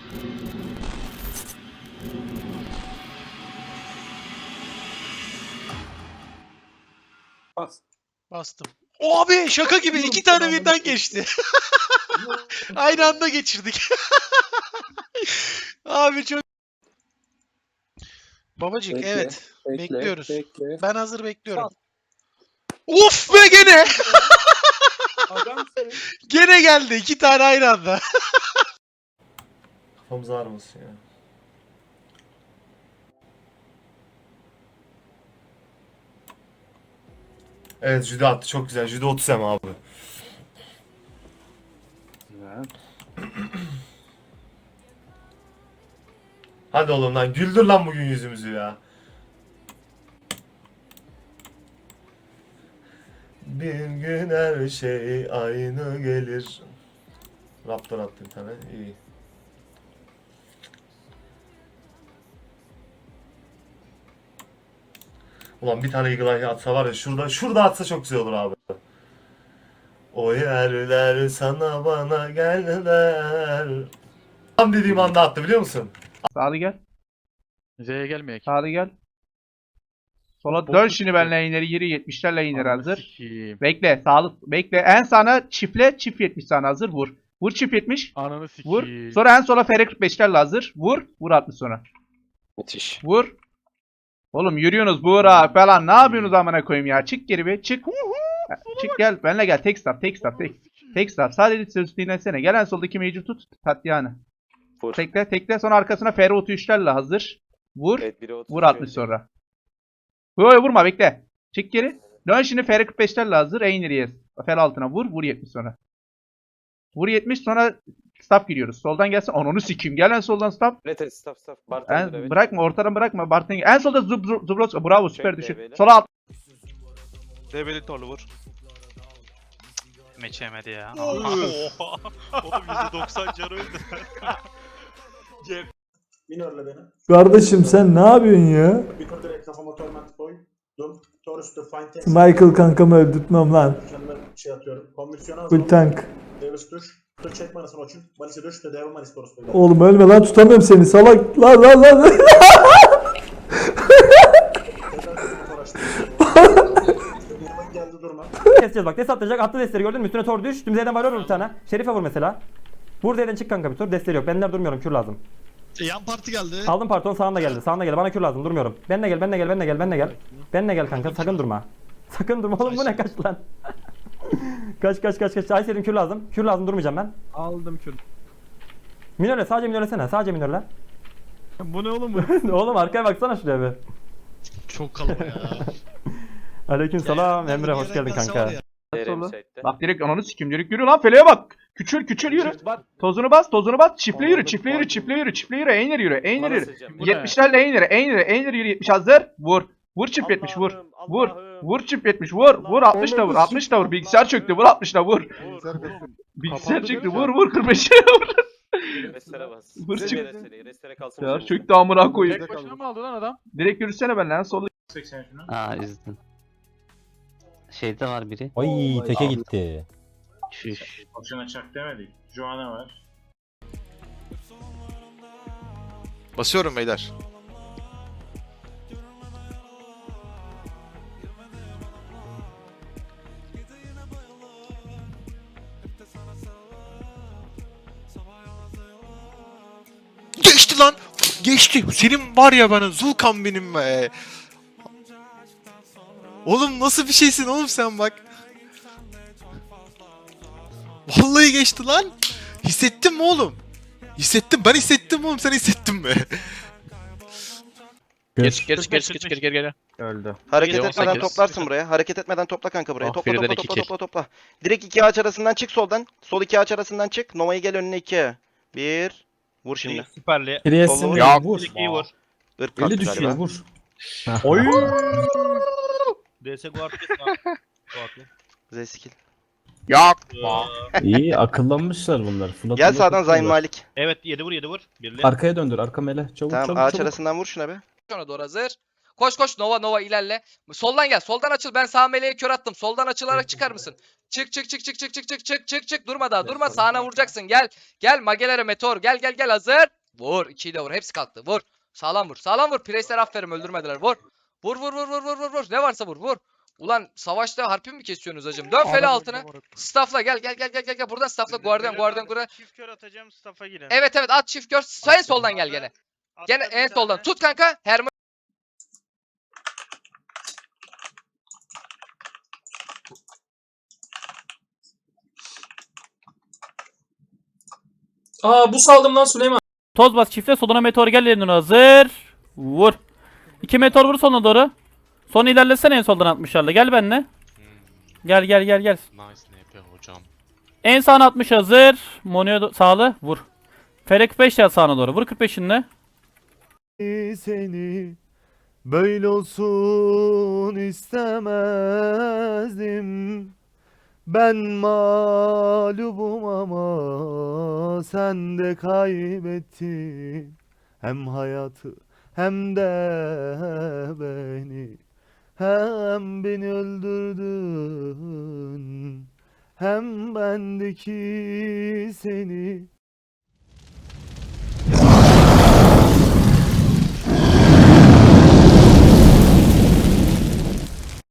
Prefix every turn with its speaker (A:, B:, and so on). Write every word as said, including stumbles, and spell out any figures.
A: Bas.
B: Bastım. O abi şaka gibi iki tane birden geçti. Aynı anda geçirdik. Abi çok... Babacık
A: Bekle,
B: evet.
A: bekle,
B: Bekliyoruz.
A: bekle.
B: Ben hazır bekliyorum.
A: Sal.
B: Of be gene.
A: Adamsın.
B: Gene geldi iki tane aynı anda.
C: Kafamız ağrımasın ya. Evet, judo attı, çok güzel. Judo otuz M abi.
A: Güzel.
C: Hadi oğlum lan, güldür lan bugün yüzümüzü ya. Bir gün her şey aynı gelir. Raptor attı bir tane, iyi. Ulan bir tane Eagle Eye atsa var ya, şurada şurada atsa çok güzel olur abi. O yerler sana bana geldiler. Tam dediğim anda attı, biliyor musun?
D: Sağlı gel.
E: Z'ye gelmeyek.
D: Sağlı gel. Sola dön şimdi benle ileri yürü yetmişlerle iner hazır.
E: Sikiyim.
D: Bekle sağlı bekle. En sağına çiftle çift yetmiş sana hazır vur. Vur çift yetmiş.
E: Ananı
D: Vur.
E: sikiyim.
D: Sonra en sola fere kırk beşlerle hazır. Vur. Vur altmış sonra.
A: Müthiş.
D: Vur. Oğlum yürüyorsunuz Buğra falan ne yapıyorsunuz amına koyayım ya. Çık geri be çık. Çık gel benle gel tek stop tek stop tek. Tek stop sadece söz dinlesene. Gel en soldaki mage'i tut. Tatyana.
F: Vur.
D: Tekle tekle sonra arkasına fere otuz üçlerle hazır. Vur.
F: Evet, biri otuz
D: Vur altmış sonra. Yo vurma bekle. Çık geri. Dön şimdi F R kırk beşlerle hazır. Eineri'ye. Fel altına vur. Vur yetmiş sonra. Vur yetmiş sonra stop giriyoruz. Soldan gelsin. Ananı sikeyim. Gel en soldan stop.
F: Evet evet stop stop.
D: En,
F: Bartender evet.
D: bırakma ortadan bırakma. Bartın en solda zub zub zubros. Bravo süper
F: Bekle,
D: düşün.
F: beyler.
D: Sola alt.
E: Debeli torlu vur.
G: Meç yemedi ya.
B: Oha.
G: Oğlum yüzde doksan canı öldü.
A: Minörle beni.
H: Kardeşim sen ne yapıyorsun ya?
A: Bir kur direkt kafama torment koydum. Tor üstü fine tank.
H: Michael kankamı öldürtmem lan.
A: Kendime şey atıyorum. Konvüksiyona
H: Full tank.
A: Davis düş. Dur çekme anasını açın. Malisi düş de devil malis torus böyle.
H: Oğlum ölme lan tutamıyorum seni salak. Lan lan lan.
A: Tekrar kafama tor açtım. Birime geldi durma.
I: Keseceğiz bak. Des atlayacak. Attı destleri gördün mü? Üstüne tor düş. Tüm Z'den var vur bir tane. Şerife vur mesela. Vur Z'den çık kanka bir tur. Destleri yok. Benler durmuyorum. Kür lazım.
B: Yan parti geldi.
I: Aldım parton sağında geldi. Sağında geldi. Bana kür lazım. Durmuyorum. Benle gel. Benle gel. Benle gel. Benle gel. Benle gel kanka. Sakın durma. Sakın durma oğlum bu ne kaç lan. kaç kaç kaç kaç. Ay senin kür lazım. Kür lazım durmayacağım ben.
E: Aldım kür.
I: Minörle sadece minörlesene. Sadece minörle.
E: Bu ne oğlum bu?
I: Oğlum arkaya baksana şuraya bir.
B: Çok kalabalık ya.
I: Aleyküm selam.
B: Yani
I: Emre hoş
B: bir
I: geldin
B: yere
I: kanka.
B: var ya.
F: Derim
D: Sola.
F: site'de.
D: Bak direkt ananı sikeyim. Direkt yürü lan feleğe bak. Küçül küçül yürü. Tozunu bas tozunu bas. Çiftle yürü çiftle yürü çiftle yürü çiftle yürü. Einer yürü. Einer
F: Bana
D: yürü.
F: sızacağım.
E: Bu ne?
D: yetmişlerle Einer. Einer. Einer yürü yetmiş hazır. Vur. Vur çift yetmiş vur.
F: Allah'ım,
D: Vur.
F: Allah'ım.
D: Vur çift yetmiş vur. Vur altmış da vur. altmış da vur. Bilgisayar çöktü. Vur altmış da vur. Bilgisayar
E: Kapandı
D: çöktü.
E: değil mi?
D: Vur vur kırk beşe vur.
F: Restere bas.
D: Vur
F: Size
D: çık.
F: de restere. Restere kalsın.
D: Bilgisayar
F: üzerinde.
D: çöktü amına koyayım.
E: Tek başına mı aldı lan adam?
D: Direkt yürüsene ben lan solda.
G: Aa üzdün. Şeyde var biri.
J: Ay teke gitti.
G: Şuş.
A: Boşuna çak demedik. Joanna var.
B: Basıyorum beyler. Geçti lan. Geçti. Senin var ya bana Zulkan benim be. Oğlum nasıl bir şeysin oğlum sen bak. Vallahi geçti lan. Hissettin mi oğlum? Hissettim. Ben hissettim oğlum. Sen hissettin mi?
E: Geç geç geç geç geç geri geri.
D: Öldü.
F: Hareket
E: Yedi, on
F: etmeden
E: sekiz.
F: toplarsın buraya. Hareket etmeden topla kanka buraya.
E: Ah,
F: Topla
E: birden
F: topla
E: iki
F: topla
E: kill.
F: topla topla. Direkt iki ağaç arasından çık soldan. Sol iki ağaç arasından çık. Nova'yı gel önüne iki. Bir. Vur şimdi.
E: Süperli.
J: Priest'in
F: Solu-
J: ya vur.
E: İkiyi vur.
F: Irk
J: Eli
F: kalktı
J: düşüyor
F: galiba.
J: vur.
D: Oy.
E: D S guard kes lan.
F: Z skill.
J: İyi akıllanmışlar bunlar. Fırat
F: Gel
J: Fırat
F: sağdan Zayn
J: tutuyorlar.
F: Malik.
E: Evet yedi vur yedi vur. Birli.
J: Arkaya döndür arka mele. Çabuk
F: Tamam
J: çabuk
F: ağaç
J: çabuk.
F: arasından vur şuna be.
K: Sonra doğru hazır. Koş koş Nova Nova ilerle. Soldan gel. Soldan açıl. Ben sağ meleğe kör attım. Soldan açılarak çıkar mısın? Çık çık çık çık çık çık çık çık çık çık. Durma daha. Durma. Sağına vuracaksın. Gel. Gel Magelere Meteor. Gel gel gel hazır. Vur. ikiyi de vur. Hepsi kalktı. Vur. Sağlam vur. Sağlam vur. Presler aferin öldürmediler. Vur. Vur vur vur vur vur vur vur. Ne varsa vur. Vur. Ulan savaşta harpi mi kesiyorsunuz hacım? Dön fele altına. Staffla gel gel gel gel gel. Buradan staffla. Guardian Guardian Guardian.
E: Çift kör atacağım staff'a girin.
K: Evet evet at çift gör. En soldan gel gene. Gene en soldan. Tut kanka. Herman.
A: Aa bu saldım lan Süleyman.
I: Toz bas çifte soluna meteor gel yerine hazır. Vur. İki meteor vur sonuna doğru. Son ilerlesene en soldan altmışlarla. Gel benimle. Gel gel gel gel. En sağına altmış hazır. Monyo sağlı vur. Fere kırk beş gel sağına doğru. Vur kırk beşinle.
C: Seni böyle olsun istemezdim. Ben mağlubum ama sen de kaybettin. Hem hayatı hem de beni. Hem beni öldürdün. Hem bendeki seni